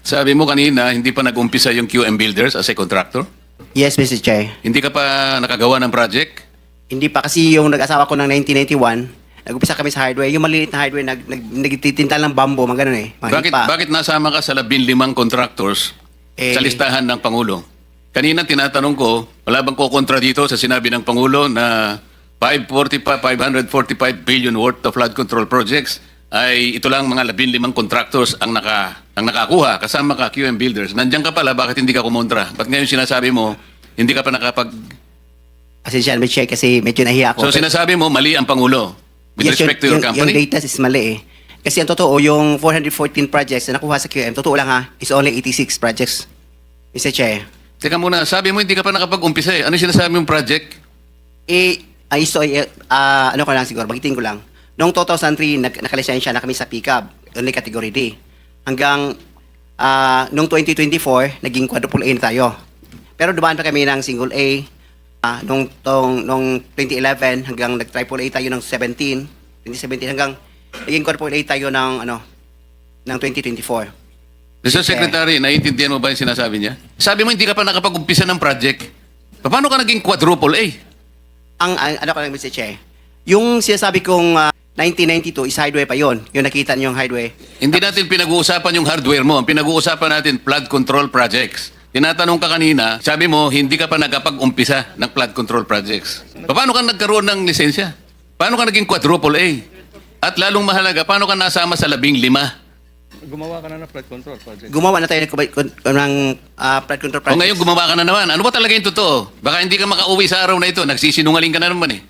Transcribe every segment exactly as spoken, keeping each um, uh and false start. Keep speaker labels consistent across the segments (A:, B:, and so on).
A: Sabi mo kanina, hindi pa nag-umpisa yung Q M Builders as a contractor?
B: Yes, Mister Chair.
A: Hindi ka pa nakagawa ng project?
B: Hindi pa kasi yung nag-asawa ko ng nineteen ninety-one, nag-umpisa kami sa hardware. Yung maliit na hardware, nag, nag, nagtitinta ng bamboo, mga ganun eh. Mga
A: Bakit,
B: hipa.
A: bakit nasama ka sa labing limang contractors
B: Eh,
A: sa listahan ng Pangulo? Kanina tinatanong ko, wala bang kukontra dito sa sinabi ng Pangulo na five hundred forty-five billion worth of flood control projects ay ito lang mga labing limang contractors ang, naka, ang nakakuha kasama ka Q M Builders. Nandiyan ka pala, bakit hindi ka kumontra? Ba't ngayon sinasabi mo, hindi ka pa nakapag...
B: Pasensya, Mister Chair, kasi medyo nahiya ako.
A: So sinasabi mo, mali ang Pangulo with
B: Yes,
A: respect to
B: yung,
A: your
B: yung, yung
A: company?
B: data is mali eh. Kasi ang totoo, yung four hundred fourteen projects na nakuha sa Q M, totoo lang ha, is only eighty-six projects. Mister Chair.
A: Teka muna, sabi mo hindi ka pa nakapag-umpisa eh. Ano yung sinasabi mong project?
B: Eh, ay, so, eh, ah, ano ko lang siguro, bagitin ko lang. Noong two thousand three, nag, nakalisensya na kami sa pickup, only category D. Hanggang, ah, noong twenty twenty-four, naging quadruple A na tayo. Pero dumaan pa kami ng single A, ah, noong, tong, noong twenty eleven, hanggang nag-triple A tayo ng seventeen, twenty seventeen, hanggang naging quadruple A tayo ng, ano, ng twenty twenty-four.
A: Mister
B: Okay.
A: Secretary, naiintindihan mo ba yung sinasabi niya? Sabi mo hindi ka pa nakapag-umpisa ng project. Paano ka naging quadruple A?
B: Ang, ang ano ko lang, Mister Che, yung sinasabi kong ah, nineteen ninety-two is highway pa yon. Yung nakita niyo yung highway.
A: Hindi natin pinag-uusapan yung hardware mo. Ang pinag-uusapan natin, flood control projects. Tinatanong ka kanina, sabi mo, hindi ka pa nakapag-umpisa ng flood control projects. Paano ka nagkaroon ng lisensya? Paano ka naging quadruple A? At lalong mahalaga, paano ka nasama sa labing lima?
C: Gumawa ka na ng flood control project.
B: Gumawa na tayo ng, ng ah, flood control
A: O
B: project.
A: ngayon gumawa ka na naman. Ano ba talaga yung totoo? Baka hindi ka makauwi sa araw na ito. Nagsisinungaling ka na naman eh.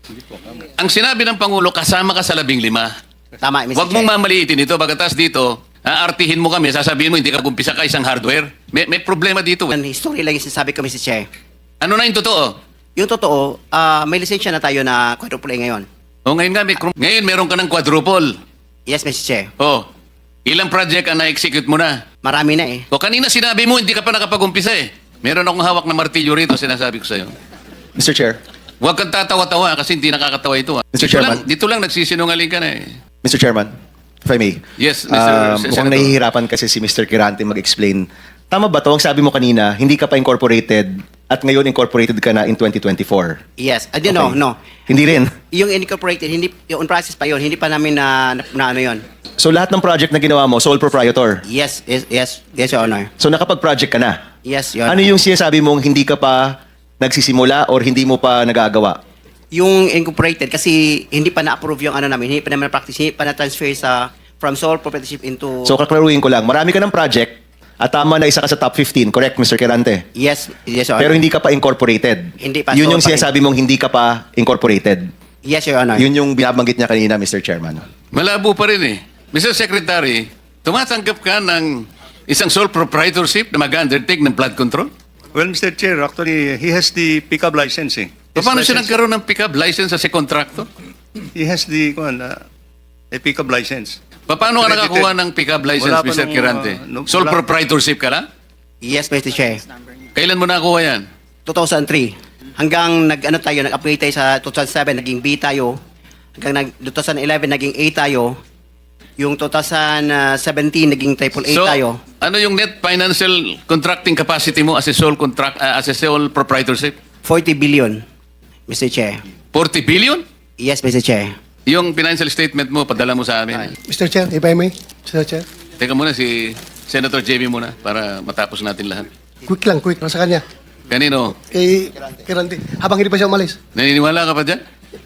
A: Ang sinabi ng Pangulo, kasama ka sa labing lima.
B: Tama, Mister
A: Huwag
B: Che.
A: mong mamaliitin ito. Pagkatas dito, aartihin mo kami, sasabihin mo, hindi ka gumpisa ka isang hardware. May, may problema dito. Eh.
B: Ang history lang yung sinasabi ko, Mister Che.
A: Ano na yung totoo?
B: Yung totoo, ah, may lisensya na tayo na quadruple A ngayon.
A: O ngayon nga, may, ngayon meron ka ng quadruple.
B: Yes, Mister Che.
A: O, ilang project ang na-execute mo na?
B: Marami na eh.
A: O kanina sinabi mo, hindi ka pa nakapag-umpisa eh. Meron akong hawak na martilyo rito, sinasabi ko sa'yo.
D: Mister Chair,
A: Huwag kang tatawa-tawa kasi hindi nakakatawa ito. ah.
D: Mister
A: Dito lang,
D: Chairman.
A: dito lang nagsisinungaling ka na eh.
D: Mister Chairman, if I may.
A: Yes, Mister
D: Um,
A: Sen-
D: mukhang
A: Senator.
D: nahihirapan kasi si Mister Kirante mag-explain. Tama ba to? Ang sabi mo kanina, hindi ka pa incorporated at ngayon incorporated ka na in twenty twenty-four.
B: Yes. Ah, di, no,
D: Okay.
B: no.
D: Hindi rin.
B: Yung incorporated, hindi, yung on process pa yon, hindi pa namin na, na, na ano yon.
D: So lahat ng project na ginawa mo, sole proprietor.
B: Yes, yes, yes, yes, Your Honor.
D: So nakapag-project ka na.
B: Yes, Your
D: Ano
B: Honor.
D: yung sinasabi mong hindi ka pa nagsisimula or hindi mo pa nagagawa?
B: Yung incorporated, kasi hindi pa na-approve yung ano namin, hindi pa naman practice, hindi pa na-transfer sa, from sole proprietorship into...
D: So kaklaruhin ko lang, marami ka ng project at tama na isa ka sa top fifteen, correct Mister Kirante?
B: yes, yes, Your Honor.
D: Pero hindi ka pa incorporated.
B: Hindi pa,
D: Yun
B: sole
D: yung
B: pa rin.
D: sinasabi mong hindi ka pa incorporated.
B: Yes, Your Honor.
D: Yun yung binabanggit niya kanina, Mister Chairman.
A: Malabo pa rin eh. Mister Secretary, tumatanggap ka ng isang sole proprietorship na mag-undertake ng flood control?
C: Well, Mister Chair, actually, he has the pickup license eh. His
A: Paano siya
C: license-
A: nagkaroon ng pick-up license as a contractor?
C: He has the, kuwan, uh, a pickup license.
A: Paano ka
C: Credited.
A: nakakuha ng pick-up license,
C: Wala pa
A: Mister
C: nung,
A: Kirante?
C: uh, nung-
A: Sole
C: wala-
A: proprietorship ka lang?
B: Yes, Mister Chair.
A: Kailan mo nakuha yan?
B: two thousand three. Hanggang nag-ano tayo, nag-upgrade tayo sa two thousand seven, naging B tayo. Hanggang nag, two thousand eleven, naging A tayo. Yung two thousand seventeen, naging triple A
A: So,
B: tayo.
A: ano yung net financial contracting capacity mo as a sole contract uh, as a sole proprietorship?
B: forty billion, Mister Chair.
A: forty billion?
B: Yes, Mister Chair.
A: Yung financial statement mo, padala mo sa amin.
E: Mister Chair, if I may, Mister Chair.
A: Teka muna si Senator J B muna para matapos natin lahat.
E: Quick lang, quick. Nasa kanya.
A: Kanino?
E: Kay Kirante. Habang hindi pa siya umalis.
A: Naniniwala ka pa dyan?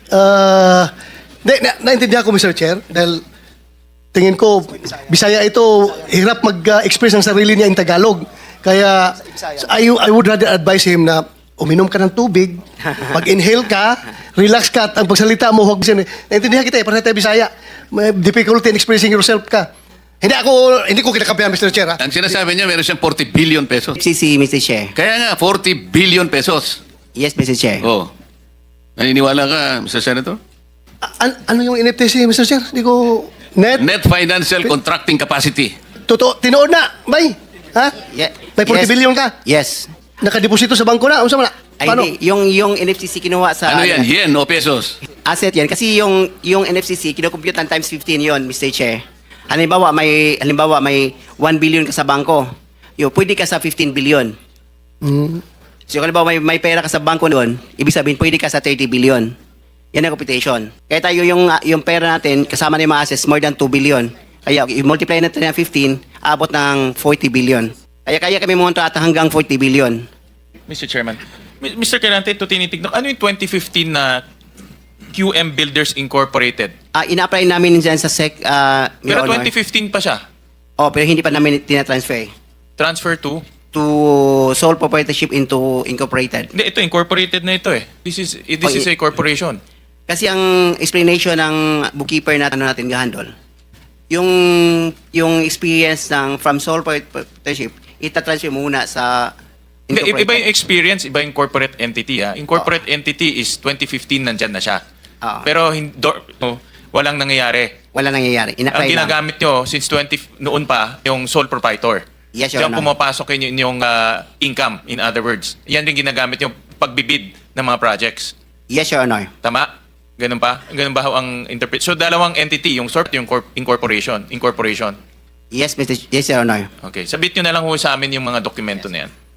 E: Uh, na, na, naintindihan ko, Mister Chair, dahil tingin ko, Bisaya ito, hirap mag-express ng sarili niya in Tagalog. Kaya, I, I would rather advise him na uminom ka ng tubig, mag-inhale ka, relax ka, at ang pagsalita mo, huwag sin... Naintindihan kita eh, para tayo Bisaya. May difficulty in expressing yourself ka. Hindi ako, hindi ko kinakampihan, Mister Chair, ha?
A: Ang sinasabi niya, meron siyang forty billion pesos.
B: F C C, Mister Chair.
A: Kaya nga, forty billion pesos.
B: Yes, Mister Chair.
A: Oh. Naniniwala ka, Mister Senator?
E: A- an- ano yung N F T C, Mister Chair? Hindi ko... Net?
A: Net financial contracting capacity.
E: Totoo, tinood na, bay. Ha?
B: Ye-
E: May forty
B: yes.
E: billion ka?
B: Yes.
E: Nakadeposito sa bangko na? Ano sa mga?
B: Ay,
E: Paano?
B: hindi. Yung, yung N F C C kinuha sa...
A: Ano yan, yen o pesos?
B: Asset yan. Kasi yung, yung N F C C, kinukompute ng times fifteen yon, Mister Chair. Halimbawa, may, halimbawa, may one billion ka sa bangko. Yo, pwede ka sa fifteen billion.
E: Mm.
B: So, kung halimbawa, may, may pera ka sa bangko doon, ibig sabihin, pwede ka sa thirty billion. Yan ang computation. Kaya tayo yung, yung pera natin, kasama na yung mga assets, more than two billion. Kaya, i-multiply natin ng fifteen, abot ng forty billion. Kaya kaya kami monta at hanggang forty billion.
F: Mister Chairman, Mi- Mister Kerante, ito tinitignan. Ano yung twenty fifteen na Q M Builders Incorporated?
B: Ah, ina-apply namin dyan sa SEC, ah, Your
F: Pero
B: Honor.
F: twenty fifteen pa siya.
B: Oh, pero hindi pa namin tinatransfer
F: Transfer to?
B: to sole proprietorship into incorporated.
F: Hindi, ito incorporated na ito eh. This is this
B: Oh,
F: is
B: i-
F: a corporation.
B: Kasi ang explanation ng bookkeeper na ano natin gahandol, yung yung experience ng from sole proprietorship, itatransfer muna sa
F: Hindi, iba
B: incorporated.
F: yung experience, iba yung corporate entity ha. Incorporate entity is twenty fifteen nandyan na siya.
B: Ah.
F: Pero hin- do- no, walang nangyayari.
B: Wala nangyayari.
F: Ang
B: Ina-apply lang.
F: ginagamit nyo since twenty noon pa yung sole proprietor.
B: Yes, Your
F: Diyan
B: Honor.
F: pumapasok yun yung uh, income, in other words. Yan yung ginagamit yung pagbibid ng mga projects.
B: Yes, Your Honor.
F: Tama? Ganun pa? Ganun ba ho ang interpret? So dalawang entity, yung sort, yung corp- incorporation. Incorporation.
B: Yes, Mister Yes, Your Honor.
F: Okay. Sabit nyo na lang ho sa amin yung mga dokumento na yan.